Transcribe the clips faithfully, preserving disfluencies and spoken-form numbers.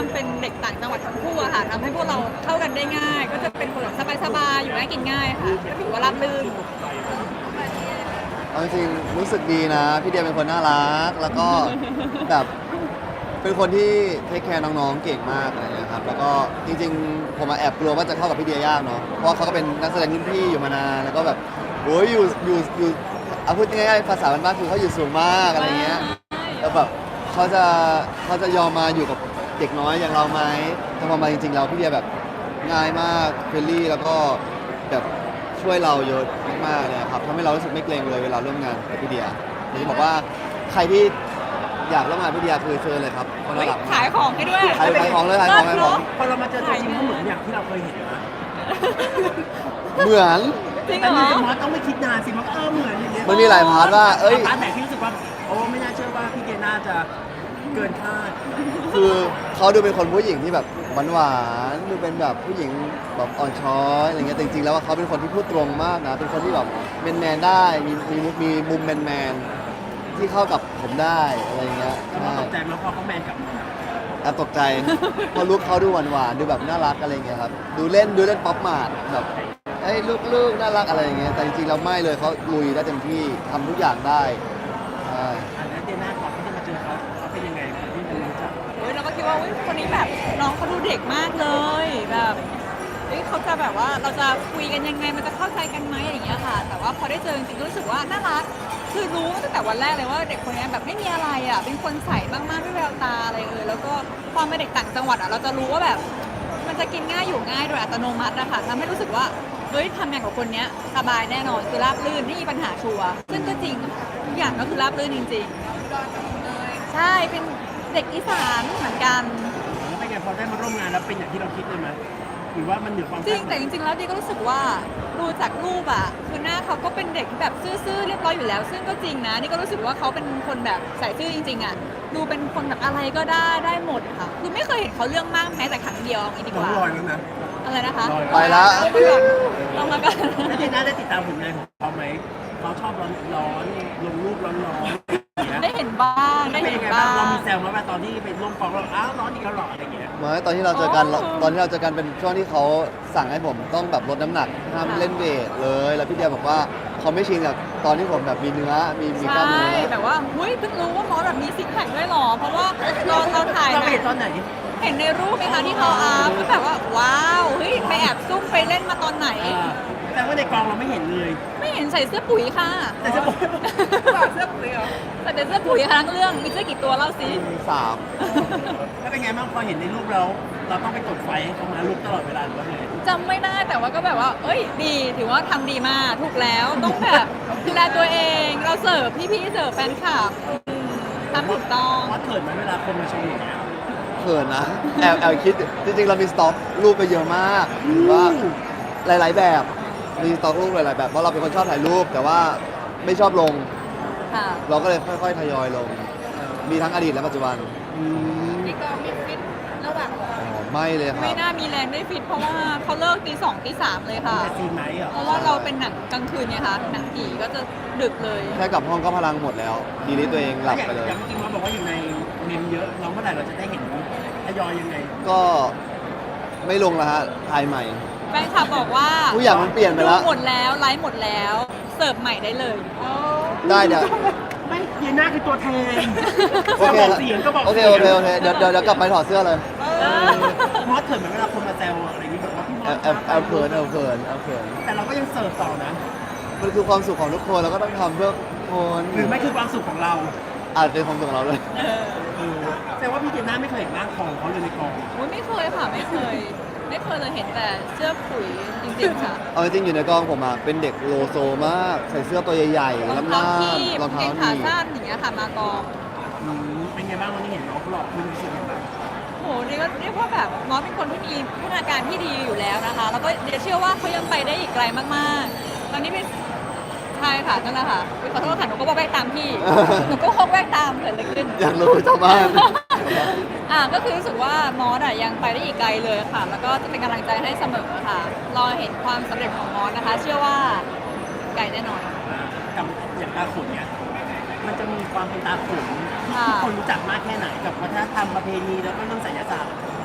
ความเป็นเด็กต่างจังหวัดทั้งคู่อะค่ะทำให้พวกเราเข้ากันได้ง่าย ก็จะเป็นคนแบบสบายๆอยู่ง่ายกินง่ายค่ะก็ถือว่าราบรื่นเอาจริงๆรู้สึกดีนะ พี่เดียเป็นคนน่ารัก แล้วก็แบบเป็นคนที่เทคแคร์น้องๆเก่งมากอะไรอย่างเงี้ยครับแล้วก็จริงๆผมมาแอบกลัวว่าจะเข้ากับพี่เดียยากเนาะเพราะว่าเขาก็เป็นนักแสดงรุ่นพี่อยู่มานานแล้วก็แบบโอ้ยอยู่อยู่อยู่เอาพูดง่ายๆภาษาบ้านๆคือเขาอยู่สูงมากอะไรเงี้ยแล้วแบบเขาจะเขาจะยอมมาอยู่กับเด็กน้อยอย่างเราไหมแต่พอมาจริงๆเราพี่เดียแบบง่ายมากเฟรนลี่แล้วก็แบบช่วยเราเยอะมากๆเลยครับทำให้เรารู้สึกไม่เกรงเลยเวลาร่วมงานกับพี่เดียอยากจะบอกว่าใครที่อยากร่วมงานพี่เดียคือเชิญเลยครับคนละหลักขายของให้ด้วยขายขายของเลยขายของขายของพอเรามาเจอตัวจริงเขาเหมือนอย่างที่เราเคยเห็นนะเหมือนจริงแต่เหรนี่อจะมอสต้องไม่คิดนานสิมันเออเหมือนอย่างเงี้ยมันมีหลายพาร์ทว่าเอ้ยพาร์ทไหนที่รู้สึกว่าโอ้ไม่น่าเชื่อว่าพี่เจน่าจะเกินคาดคือเขาดูเป็นคนผู้หญิงที่แบบหวานๆดูเป็นแบบผู้หญิงแบบอ่อนช้อยอะไรเงี้ยแต่จริงๆแล้วว่าเขาเป็นคนที่พูดตรงมากนะเป็นคนที่แบบแมนๆได้มีมีมีมุมแมนๆที่เข้ากับผมได้อะไรเงี้ยแล้วใช่ตกใจมาพอเขาแมนกลับมาแอบตกใจเพราะลุคเขาดูหวานๆดูแบบน่ารักอะไรเงี้ยครับดูเล่นดูเล่นป๊อปมาดแบบไอ้ยลูกๆน่ารักอะไรอย่างเงี้ยแต่จริงๆเราไม่เลยเขาลุยได้เต็มที่ทำทุกอย่างได้ใช่อันนั้นเจน่าก่อนที่จะมาเจอเขาเขาเป็นยังไงคนที่จะรู้จักเฮ้ยเราก็คิดว่าอุ๊ยคนนี้แบบน้องเขาดูเด็กมากเลยแบบเฮ้ยเขาจะแบบว่าเราจะคุยกันยังไงมันจะเข้าใจกันไหมอะไรอย่างเงี้ยค่ะ แต่ว่าพอได้เจอจริงๆก็รู้สึกว่าน่ารักคือรู้ตั้งแต่วันแรกเลยว่าเด็กคนนี้แบบไม่มีอะไรอ่ะเป็นคนใสมากๆไม่แววตาอะไรเลยแล้วก็ความเป็นเด็กต่างจังหวัดอ่ะเราจะรู้ว่าแบบมันจะกินง่ายอยู่ง่ายโดยอัตโนมัตินะคะทำให้รู้สึกว่าเฮ้ยทำงานกับคนเนี้ยสบายแน่นอนคือราบรื่นไม่มีปัญหาชัวร์ซึ่งก็จริงทุกอย่างก็คือราบรื่นจริงๆใช่เป็นเด็กอีสานเหมือนกันแล้วเป็นไงพอได้มาร่วมงานแล้วเป็นอย่างที่เราคิดเลยไหมหรือว่ามันเหนือความจริงคาดหแต่มายจริงๆแล้วดีก็รู้สึกว่าดูจากรูปอะคือหน้าเขาก็เป็นเด็กที่แบบซื่อๆเรียบร้อยอยู่แล้ว ซึ่งก็จริงนะนี่ก็รู้สึกว่าเขาเป็นคนแบบใส่ซื่อจริงๆอะดูเป็นคนแบบอะไรก็ได้ได้หมดค่ะคือไม่เคยเห็นเขาเรื่องมากแม้แต่ครั้งเดียวเอางี้ดีกน้องว่าลอยแล้วนะอะไรนะคะไปละเอามาก่อนเอามาก่อนแล้วเจน่าได้ติดตามผลงานของเขาไหมเขาชอบร้อนร้อนลงรูปร้อนร้อนอย่างเงี้ยได้เห็นบ้างได้เป็นเห็นยังไงบ้าบ้างเรางมีแซวไหมว่าตอนที่ไปร่วมกองเราอ้าวร้อนอีกแล้วเหรออะไรอย่างเงี้ยเมื่อตอนที่เราเจอกันอ๋อตอนที่เราเจอกันเป็นช่วงที่เขาสั่งให้ผมต้องแบบลดน้ำหนักห้ามเล่นเวทเลย แล้วพี่เดียบอกว่าเขาไม่ชินกับตอนที่ผมแบบมีเนื้อมีมีกล้ามใช่เนื้อแบบว่าเฮ้ยเพิ่งรู้ว่ามอสแบบมีซิกแพคด้วยเหรอเพราะว่าเราเราถ่ายเรานะไปเห็นตอนไหนเห็นในรูปไหมคะที่เขาอัพก็แบบว่าว้าวเฮ้ยไปแอบซุ่มไปเล่นมาตอนไหนอ่าแต่ว่าในกองเราไม่เห็นเลยไม่เห็นใส่เสื้อปุ๋ยค่ะแต่จะบอกเสื้อปุ๋ยเหรอใส่แต่เสื้อปุ๋ยค่ะทั้งเรื่องมีเสื้อกี่ตัวเล่าสิสามแล้วเป็นไงบ้างพอเห็นในรูปเราเราต้องไปกดไฟให้เขามาลุกตลอดเวลาหรือว่าไงจำไม่ได้แต่ว่าก็แบบว่า เอ้ยดีถือว่าทำดีมากถูกแล้วต้องแบบดูแลตัวเองเราเสิร์ฟพี่ๆเสิร์ฟแฟนคลับอืมทำถูกต้องว่าเขินไหมเวลาคนมาชมอย่างเงี้ยเขินนะแอบแอบคิดจริงๆเรามีสต็อกรูปไปเยอะมากหรือว่าหลาย ๆ แบบมีสต็อกรูปหลาย ๆ แบบเพราะเราเป็นคนชอบถ่ายรูป แต่ว่าไม่ชอบลงค่ะเราก็เลยค่อย ๆ ทยอยลง มีทั้งอดีตและปัจจุบันนี่ก็มีฟิตระหว่างอ๋อไม่เลยครัไม่บน่ามีแรงได้ฟิตเพราะว่าเขาเลิกตีสองตีสามเลยค่ะแต่ซีนไหนเหรอเพราะว่าเราเป็นหนังกลางคืนไงคะหนังผีก็จะดึกเลยแค่กลับห้องก็พลังหมดแล้ว ดีนี้ตัวเองหลับไปเลยอย่างเมื่อกี้ว่าบอกว่าอยู่ในเมมเยอะเราเมื่อไหร่เราจะได้เห็นทยอยยังไงก็ไม่ลงแล้วฮะถ่ายใหม่แฟนคลับบอกว่าทุกอย่างมันเปลี่ยนไปแล้วดูหมดแล้วไลฟ์หมดแล้ว เสิร์ฟใหม่ได้เลยได้เดี๋ยวไม่เดียน่าคือตัวแทนโอเคบอกเสียงก็บอกโอเคสียงโอเคโอเคเดี๋ยวเดี๋ยวเดี๋ยวกลับไปถอดเสื้อเลยเออมอสเขินไหมเวลาคนมาแซวอะไรอย่างนี้แบบว่าพี่มอแอสบแอบแอบเขินแอบเขินแอบเขินแต่เราก็ยังเสิร์ฟต่อนะมันคือความสุขของทุกคนเราก็ต้องทำเพื่อคนหรือไม่คือความสุขของเราอาจเป็นความสุขของเราเลยเออเออแต่ว่าพี่เดียน่าไม่เคยเห็นร่างทองเขาเลยในกองโอ้ยไม่เคยค่ะไม่เคย ไม่เคยเลยเห็นแต่เสื้อปุ๋ยจริงๆค่ะเอาจริงๆอยู่ในกองผมอะเป็นเด็กโลโซมาก ใส่เสื้อตัวใหญ่รองๆเท้าล้ำคีๆบรองเกเท้างขาหนีบสั้นอย่างเงี้ยค่ะมากองอืมเป็นไงบ้างวันนี้เห็นน้องเขาหลอกคุณรู้สึกยังไงบ้างโหเรียกว่าเรียกว่าแบบมอสเป็นคนที่มีพัฒนาการที่ดีอยู่แล้วนะคะ แล้วก็เดี๋ยวเชื่อว่าเขายังไปได้อีกไกลมากๆ ตอนนี้เป็นใช่ค่ะนั่นแหละค่ะอุ๊ยขอโทษค่ะหนูก็บอกแวกตามพี่ หนูก็ฮอกแวกตามเกิดอะไรขึ้นอยากรู้ชาวบ้านอ่ะก็คือรู้สึกว่ามอสอ่ะยังไปได้อีกไกลเลยค่ะ แล้วก็จะเป็นกำลังใจให้เสมอค่ะ รอเห็นความสำเร็จของมอสนะคะ เชื่อว่าไกลแน่นอนกับอย่างตาขุนเนี่ยมันจะมีความเป็นตาขุนที่ค่ะทุกคนรู้จักมากแค่ไหนกับวัฒนธรรมประเพณีแล้วก็เรื่องไสยศาสตร์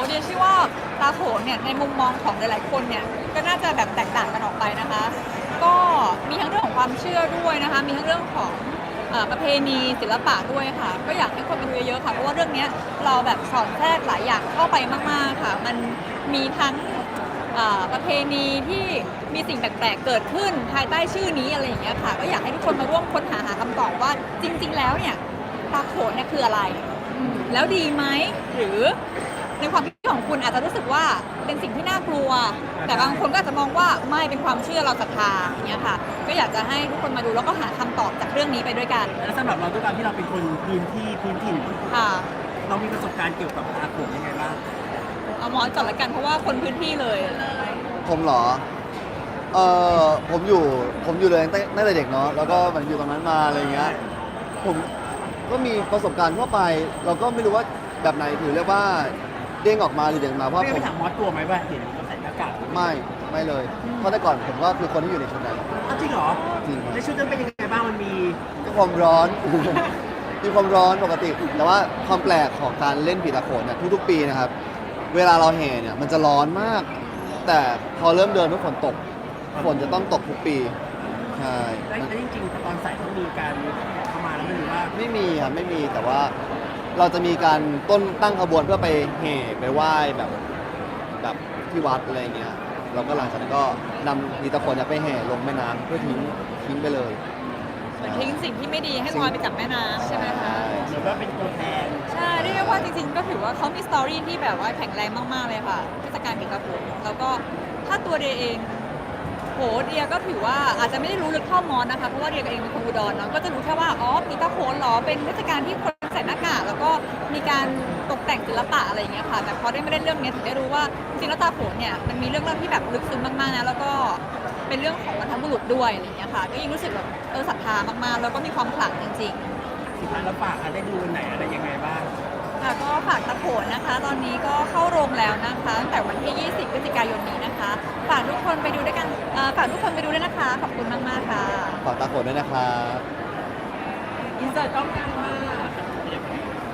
เดียเชื่อว่าตาโขนเนี่ยในมุมมองของหลายๆคนเนี่ยก็น่าจะแบบแตกต่างกันออกไปนะคะ ก็มีทั้งเรื่องของความเชื่อด้วยนะคะ มีทั้งเรื่องของเอ่อประเพณีศิลปะด้วยค่ะ ก็อยากให้คนไปดูเยอะๆค่ะ เพราะว่าเรื่องเนี้ยเราแบบสอนแทรกหลายอย่างเข้าไปมากๆค่ะ มันมีทั้งเอ่อประเพณีที่มีสิ่งแปลกๆเกิดขึ้นภายใต้ชื่อนี้อะไรอย่างเงี้ยค่ะ ก็อยากให้ทุกคนมาร่วมค้นหาหาคำตอบว่าจริง ๆ แล้วเนี่ยตาโขนเนี่ยคืออะไรอืมแล้วดีไหมหรือในความคิดของคุณอาจจะรู้สึกว่าเป็นสิ่งที่น่ากลัว แต่บางคนก็อาจจะมองว่าไม่เป็นความเชื่อเราศรัทธาอย่างเงี้ยค่ะ ก็อยากจะให้ทุกคนมาดูแล้วก็หาคำตอบจากเรื่องนี้ไปด้วยกันแล้วสำหรับเราด้วยการที่เราเป็นคนพื้นที่พื้นถิ่นค่ะเรามีประสบการณ์เกี่ยวกับตาโขนยังไงบ้างเอาหมอนก่อนละกันเพราะว่าคนพื้นที่เลยผมเหรอ เออผมอยู่ ผมอยู่เลยตั้งแต่ตั้งแต่เด็กเนาะ แล้วก็มันอยู่ตรงนั้นมาอะไรเงี้ย ผมก็มีประสบการณ์ทั่วไป เราก็ไม่รู้ว่าแบบไหนถือเรียกว่าเด้งออกมาหรือเด้งมาเพราะไม่ผไปมถามมอสตัวไหมว่าเห็นเขาใส่หน้ากากไม่ ไม่เลย เพราะแต่ก่อนผมก็คือคนที่อยู่ในชุดนั้นอ้าวจริงเหรอจริงครับในชุดนั้นเป็นยังไงบ้างมันมีก็ความร้อน มีความร้อนปกติ แต่ว่าความแปลกของการเล่นผีตะโขนเนี่ยทุกๆปีนะครับ เวลาเราแห่เนี่ยมันจะร้อนมาก แต่พอเริ่มเดินทุกฝนตก ฝนจะต้องตกทุกปี ใช่แล้วแล้วจริงๆตอนใส่ต้องมีการเข้ามาแล้วไม่รู้ว่าไม่มีครับไม่มีแต่ว่าเราจะมีการต้นตั้งขบวนเพื่อไปแห่ไปไหว้แบบแบบที่วัดอะไรเงี้ยเราก็หลังจากนั้นก็นำผีตะโขนเนี่ยไปแห่ลงแม่น้ำเพื่อทิ้งทิ้งไปเลยเหมือนทิ้งสิ่งที่ไม่ดีให้ลอยไปจากแม่น้ำใช่ไหมคะเหมือนว่าเป็นตัวแทนใช่เรียกได้ว่าจริงๆ ก็ถือว่าเขามีสตอรี่ที่แบบว่าแข็งแรงมากๆเลยค่ะเทศกาลปีกระโขนแล้วก็ถ้าตัวเดียเองโหเดียก็ถือว่าอาจจะไม่ได้รู้ลึกเท่ามอนนะคะเพราะว่าเดียเองเป็นคนอุดรเนาะก็จะรู้แค่ว่าอ๋อปีกระโขนเหรอเป็นเทศกาลที่คนใส่หน้ากากแล้วก็มีการตกแต่งศิลปะอะไรอย่างเงี้ยค่ะแต่พอได้ไม่ได้เรื่องเนี้ยถึงได้รู้ว่าจริงๆแล้วตาโขนเนี่ยมันมีเรื่องเล่าที่แบบลึกซึ้งมากๆนะแล้วก็เป็นเรื่องของบรรพบุรุษด้วยอะไรอย่างเงี้ยค่ะก็ยิ่งรู้สึกแบบเออศรัทธามากๆแล้วก็มีความขลังจริงๆสุดท้ายเราฝากอะไรดูวันไหนอะไรยังไงบ้างค่ะก็ฝากตะโขนนะคะ ตอนนี้ก็เข้าโรงแล้วนะคะตั้งแต่วันที่ ยี่สิบ พฤศจิกายนนี้นะคะ ฝากทุกคนไปดูด้วยกันเอ่อฝากทุกคนไปดูด้วยนะคะ ขอบคุณมากๆค่ะฝากตาโขนด้วยนะครับอินเสิร์ตต้องการมาก